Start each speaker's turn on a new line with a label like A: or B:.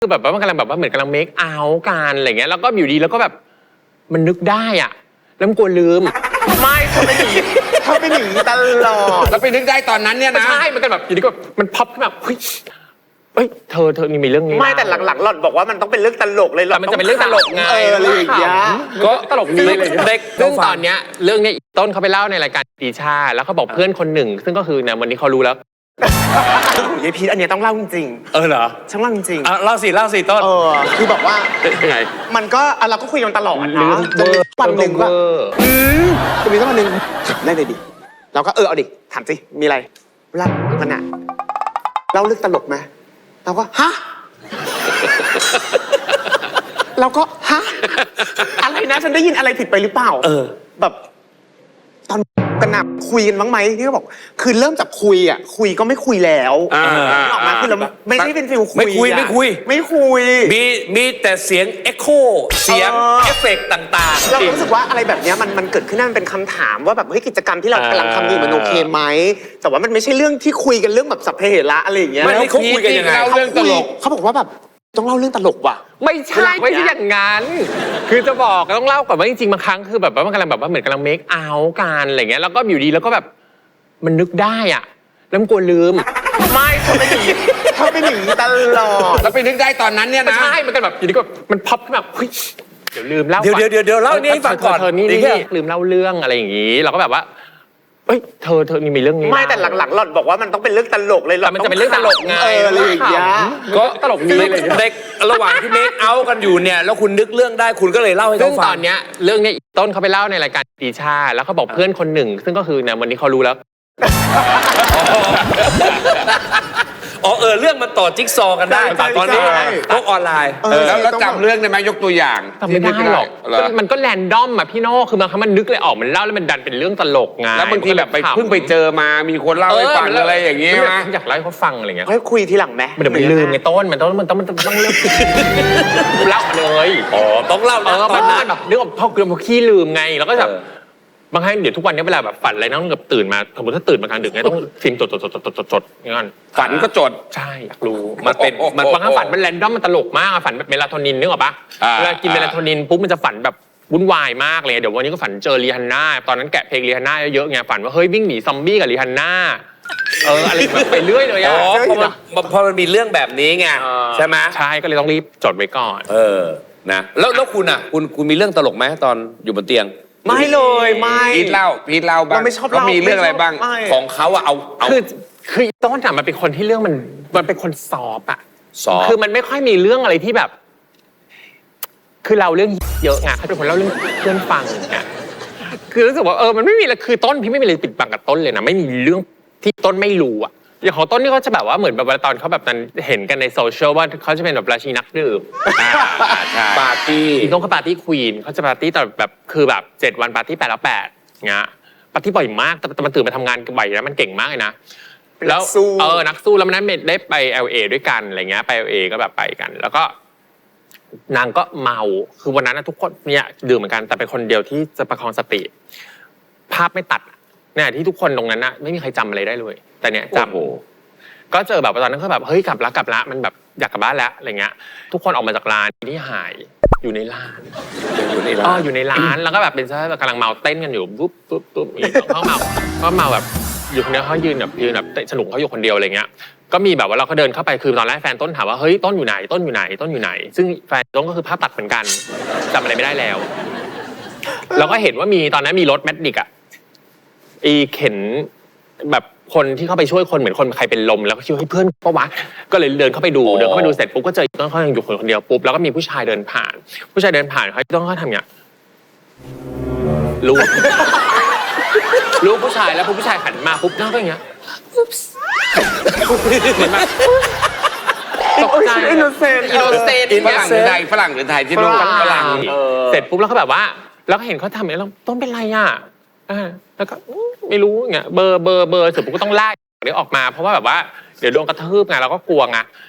A: คือแบบว่ามันกำลังแบบว่าเหมือนกำลังเมคเอาท์กันอะไรเงี้ยแล้วก็อยู่ดีแล้วก็แบบมันนึกได้อ่ะแล้วมันกลัวลืมไม่เธอไม่หนี
B: เธอเป็นอย่างนี้ตลอด
C: แล้วไปนึกได้ตอนนั้นเนี่ยนะ
A: ใช่มันก็แบบอยู่ดีก็มันพับขึ้นมาเฮ้ยเธอนี่มีเรื่องนี้
B: ไม่แต่หลังๆหล่อนบอกว่ามันต้องเป็นเรื่องตลกเลยหล่
A: แต่มันจะเป็นเรื่องตลกไง
B: อะไรอย่างเงี้ย
A: ก็ตลกดีเลย
C: เด็ก
A: ซึ่งตอนเนี้ยเรื่องเนี้ยต้นเขาไปเล่าในรายการตีชาแล้วเขาบอกเพื่อนคนหนึ่ง ซึ่งก็คือเนี่ยวันนี้เขารู้แล้ว
B: ยายพีทอันเนี้ยต้องเล่าจริง
C: เหรอ
B: ๆช่างเล่าจริง
C: เล่าสิต้น
B: คือแบบว่า
A: ยังไง
B: มันก็เราก็คุยกันตลอด
A: เรื่อ
B: เนาะ
A: ง
B: จนมีวันหนึ่งว่า
A: เวอร์
B: จะมีสักวันหนึ่งถามได้เลยดิเราก็เอาดิถามสิมีอะไรเล่ามันอะเล่าเรื่องตลกไหมเราก็ฮะ เราก็ฮะอะไรนะฉันได้ยินอะไรผิดไปหรือเปล่าแบบตอนกันหนักคุยกันบ้างไหมที่เขาบอกคือเริ่มจากคุยอ่ะคุยก็ไม่คุยแล้วออกมาคือเราไม่ได้เป็นฟิลคุย
C: ไม่คุย
B: ไม่คุย
C: มีแต่เสียงเอ็กโคเสียงเอฟเฟกต์ต่างๆ
B: เรารู้สึกว่าอะไรแบบเนี้ยมันเกิดขึ้นมันเป็นคำถามว่าแบบเฮ้ยกิจกรรมที่เรากำลังทำอยู่มันโอเคไหมแต่ว่ามันไม่ใช่เรื่องที่คุยกันเรื่องแบบสัพเพเหระอะไรอย่างเงี้ย
C: ไม่เขาคุยกันยังไง
A: เล่าเรื่องตลก
B: เขาบอกว่าแบบต้องเล่าเรื่องตลกว่ะ
A: ไม่ใช่อย่างนั้น คือจะบอกต้องเล่าก่อนว่าจริงๆบางครั้งคือแบบว่ามันกำลังแบบว่าเหมือนกำลังเมคเอาท์กันอะไรเงี้ยแล้วก็อยู่ดีแล้วก็แบบมันนึกได้อ่ะแล้วมันกลัวลืมไม่เธอไม่หนี
B: เธอเป็นอย่างนี้ตลอด
C: แล้วไปนึกได้ตอนนั้นเนี่ยนะ
A: ใช่มันก็แบบอยู่ดีก็มันพับขึ้นมาเฮ้ยเดี๋ยวลืมเล่า
C: เดี๋ยวเล่านี่ให้ฟังก่อน
A: เธอนี่ลืมเล่าเรื่องอะไรอย่างงี้เราก็แบบว่าเฮ้ยเธอนี่มีเรื่องนี้
B: ไม่แต่หลังๆหล่อนบอกว่ามันต้องเป็นเรื่องตลกเลยหล่
A: แต่มันจะเป็นเรื่องตลกไง
B: อะไรอย่างเงี้ย
A: ก็ตลกดีเลย
C: เด็กระหว่างที่เมคเอาท์กันอยู่เนี่ยแล้วคุณนึกเรื่องได้คุณก็เลยเล่าให้
A: ซึ่
C: เขา
A: ง
C: ฟั
A: ตอง นเนี้ยเรื่องเนี้ยต้นเขาไปเล่าในรายการตีชาแล้วเขาบอกเพื่อนคนหนึ่ง ซึ่งก็คือเนี่ยวันนี้เขารู้แล้ว
C: เรื่องมันต่อจิ๊กซอว์กันได้
B: ใช่
C: ตอนนี้
B: ใช่
C: โลกออนไลน์แล้วจำเรื่องได้ไหมยกตัวอย่าง
A: จำไม่ได้หรอก
C: เหรอ
A: มันก็แรนดอมอะพี่โน่คือบางครั้งมันนึกเลยออกมันเล่าแล้วมันดันเป็นเรื่องตลกไง
C: แล้วบางทีแบบไปเพิ่งไปเจอมามีคนเล่าให้ฟังอะไรอย่างเงี้ยนะ
A: อยากเล่าให้เขาฟังอะไรเงี้ย
B: ค่อยคุยทีหลังไหม
A: มันเดี๋ยวมันลืมไงต้นมันต้องเล่าเลย
C: ต้องเล่านะต
A: มั
C: อน
A: น
C: นั้น
A: แบบนึกว่าพ่อเกลือมาขี้ลืมไงแล้วก็แบบบางครั้งเดี๋ยวทุกวันนี้เวลาแบบฝันอะไรนะต้องแบบตื่นมาสมมติถ้าตื่นมากลางดึกเนี่ยต้องฟิล์มจดอย่างนั้น
C: ฝันก็จด
A: ใช่อยากรู้มันเป็นมันบางครั้งฝันมันแรนดอมมันตลกมากอะฝันแบบเมลาโทนินนึกออกปะเวลากินเมลาโทนินปุ๊บมันจะฝันแบบวุ่นวายมากเลยเดี๋ยววันนี้ก็ฝันเจอรีฮันน่าตอนนั้นแกะเพลงรีฮันน่าเยอะๆไงฝันว่าเฮ้ยวิ่งหนีซอมบี้กับรีฮันน่าอะไรแบบไปเรื่อยเลยอะ
C: พอมันมีเรื่องแบบนี้ไงใช่ไหม
A: ใช่ก็เลยต้องรีบจดไว้ก่อน
C: นะแล้วคุณอ่ะคุณมีเรื่องตลกไหมตอนอยู่บนเตียง
B: ไม่เลยไม่
C: พีทเล่าบ้าง
B: เราไม่ชอบ
C: แล้วมีเรื่องอะไรบ้าง
B: ไม่
C: ของเขาอะเอา
A: คือต้นอะมันเป็นคนที่เรื่องมันเป็นคนซอฟอะ
C: ซอฟ
A: คือมันไม่ค่อยมีเรื่องอะไรที่แบบ คือเราเรื่องเยอะไงเขาเป็นคนเล่าเรื่องเพื่อนฟังไงคือรู้สึกว่ามันไม่มีอะไรคือต้นพี่ไม่มีอะไรปิดบังกับต้นเลยนะไม่มีเรื่องที่ต้นไม่รู้อะอย่างของต้นนี่เขาจะแบบว่าเหมือนแบบตอนเขาแบบนั้นเห็นกันในโซเชียลว่าเขาจะเป็นแบบราชินีนักดื่ม
C: ปาร์ตี้
A: ต้นเขาปาร์ตี้ควีนเขาจะปาร์ตี้แต่แบบคือแบบ7 วันปาร์ตี้8 แล้ว 8เงี้ยปาร์ตี้บ่อยมากแต่มันตื่นมาทำงานบ่อยนะมันเก่งมากเลยนะแล้วนักสู้แล้วมันนั้นได้ไป LA ด้วยกันอะไรเงี้ยไป LA ก็แบบไปกัน แล้วก็นางก็เมาคือวันนั้นทุกคนเนี่ยดื่มเหมือนกันแต่เป็นคนเดียวที่จะประคองสติภาพไม่ตัดเนี่ยที่ทุกคนตรงนั้นนะไม่มีใครจำอะไรได้เลยแต่เนี่ยจำก็เจอแบบตอนนั้นก็แบบเฮ้ยกลับละมันแบบอยากกลับบ้านแล้วอะไรเงี้ยทุกคนออกมาจากร้านที่หายอยู่ในร้านอยู่ในร้านแล้วก็แบบเป็นซะกำลังเมาเต้นกันอยู่ปุ๊บเขาเมาแบบอยู่คนเดียวเขายืนแบบเตะสนุกเขาอยู่คนเดียวอะไรเงี้ยก็มีแบบว่าเราก็เดินเข้าไปคือตอนแรกแฟนต้นถามว่าเฮ้ยต้นอยู่ไหนซึ่งแฟนต้นก็คือภาพตัดเหมือนกันจำอะไรไม่ได้แล้วเราก็เห็นว่ามีตอนนั้นมีรถแมดดิกอะเข็นแบบคนที่เข้าไปช่วยคนเหมือนคนใครเป็นลมแล้วก็คิดว่าเพื่อนก็วะก็เลยเดินเข้าไปดูเสร็จปุ๊บก็เจอต้นเขายังอยู่คนเดียวปุ๊บแล้วก็มีผู้ชายเดินผ่านเขาต้องเขาทำอย่างรู้ผู้ชายแล้วผู้ชายหันมาปุ๊บน้าก็อย่างเงี้ยเหมือนแบบตกใจอินโนเซนต์
C: ฝรั่งหรือไทยที่รู้ฝรั่ง
A: เสร็จปุ๊บแล้วก็แบบว่าแล้วก็เห็นเขาทำอย่างนี้แล้วต้นเป็นไรอ่ะแล้วก็ไม่รู้เงี้ยเบอร์เสร็จปุ๊บก็ต้องไล่เดี๋ยวออกมาเพราะว่าแบบว่าเดี๋ยวโดนกระทืบไงเราก็กลัวไง